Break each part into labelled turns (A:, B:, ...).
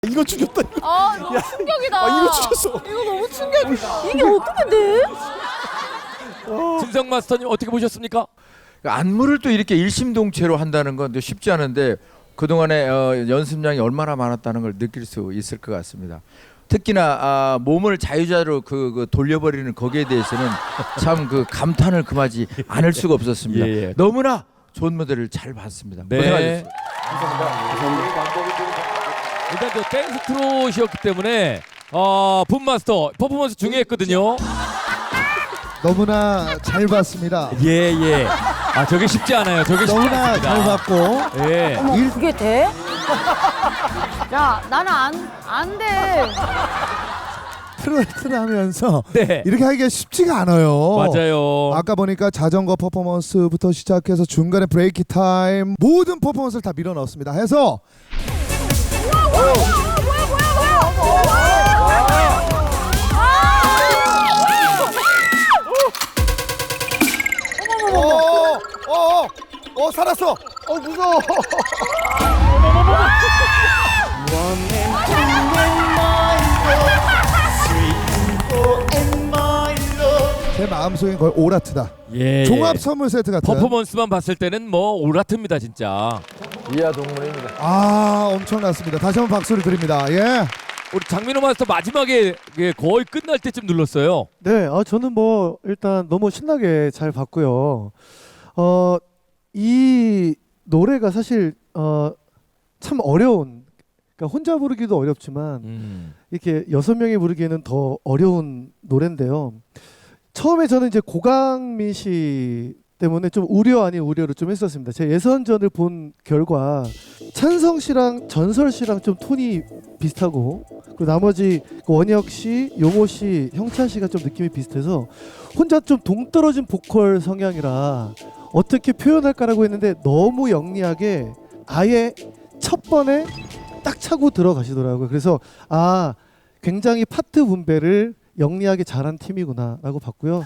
A: 이거 죽였다.
B: 아 너무 충격이다.
A: 이거 죽였어.
B: 이거 너무 충격이다. 이게 어떻게 돼?
C: 진성 마스터님 어떻게 보셨습니까?
D: 안무를 또 이렇게 일심동체로 한다는 건 쉽지 않은데 그동안에 연습량이 얼마나 많았다는 걸 느낄 수 있을 것 같습니다. 특히나 몸을 자유자재로 그 돌려버리는 거기에 대해서는 참 그 감탄을 금하지 않을 수가 없었습니다.
C: 예.
D: 너무나 좋은 무대를 잘 봤습니다.
C: 네.
D: 고생하셨습니다.
C: 일단 저 댄스 트롯이었기 때문에 붐마스터 퍼포먼스 중요했거든요.
A: 너무나 잘 봤습니다.
C: 예. 아 저게 쉽지 않아요. 저게 쉽지
A: 너무나
C: 않습니다.
A: 잘 봤고.
C: 예.
B: 어머 그게 돼? 야 나는 안 돼.
A: 트로트를 하면서
C: 네.
A: 이렇게 하기가 쉽지가 않아요.
C: 맞아요.
A: 아까 보니까 자전거 퍼포먼스부터 시작해서 중간에 브레이크 타임 모든 퍼포먼스를 다 밀어 넣었습니다. 해서 살았어. 무서워. 제 마음속엔 거의 오라트다.
C: 예.
A: 종합 선물 세트 같은.
C: 퍼포먼스만 봤을 때는 뭐 오라트입니다 진짜.
D: 이하 동문입니다.
A: 엄청났습니다. 다시 한번 박수를 드립니다. 예.
C: 우리 장민호 마스터 마지막에 거의 끝날 때쯤 눌렀어요.
E: 네, 저는 뭐 일단 너무 신나게 잘 봤고요. 이 노래가 사실 참 어려운, 그러니까 혼자 부르기도 어렵지만 이렇게 6명이 부르기에는 더 어려운 노래인데요. 처음에 저는 이제 고강민 씨 때문에 좀 우려 아닌 우려를 좀 했었습니다. 제 예선전을 본 결과 찬성 씨랑 전설 씨랑 좀 톤이 비슷하고, 그리고 나머지 원혁 씨, 용호 씨, 형찬 씨가 좀 느낌이 비슷해서 혼자 좀 동떨어진 보컬 성향이라 어떻게 표현할까라고 했는데 너무 영리하게 아예 첫 번에 딱 차고 들어가시더라고요. 그래서 굉장히 파트 분배를 영리하게 잘한 팀이구나라고 봤고요.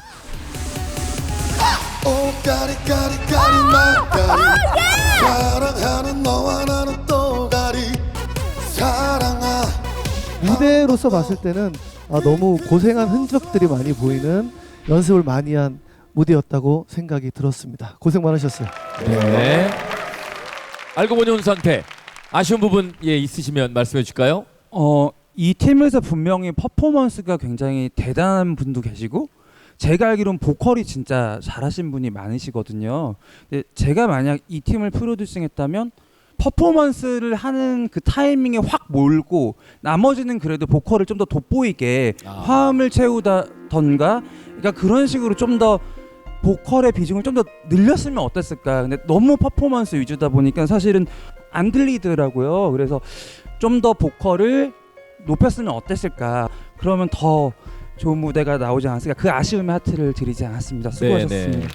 A: 사랑하는 너와 나는 또가리 사랑아.
E: 무대로서 봤을 때는 너무 고생한 흔적들이 많이 보이는, 연습을 많이 한 무대였다고 생각이 들었습니다. 고생 많으셨어요.
C: 네. 알고 보니 혼수한테 아쉬운 부분 있으시면 말씀해 주실까요?
F: 이 팀에서 분명히 퍼포먼스가 굉장히 대단한 분도 계시고 제가 알기로는 보컬이 진짜 잘하신 분이 많으시거든요. 근데 제가 만약 이 팀을 프로듀싱했다면 퍼포먼스를 하는 그 타이밍에 확 몰고 나머지는 그래도 보컬을 좀 더 돋보이게 화음을 채우다던가, 그러니까 그런 식으로 좀 더 보컬의 비중을 좀 더 늘렸으면 어땠을까. 근데 너무 퍼포먼스 위주다 보니까 사실은 안 들리더라고요. 그래서 좀 더 보컬을 높였으면 어땠을까. 그러면 더 좋은 무대가 나오지 않았을까. 그 아쉬움의 하트를 드리지 않았습니다. 수고하셨습니다.
C: 네.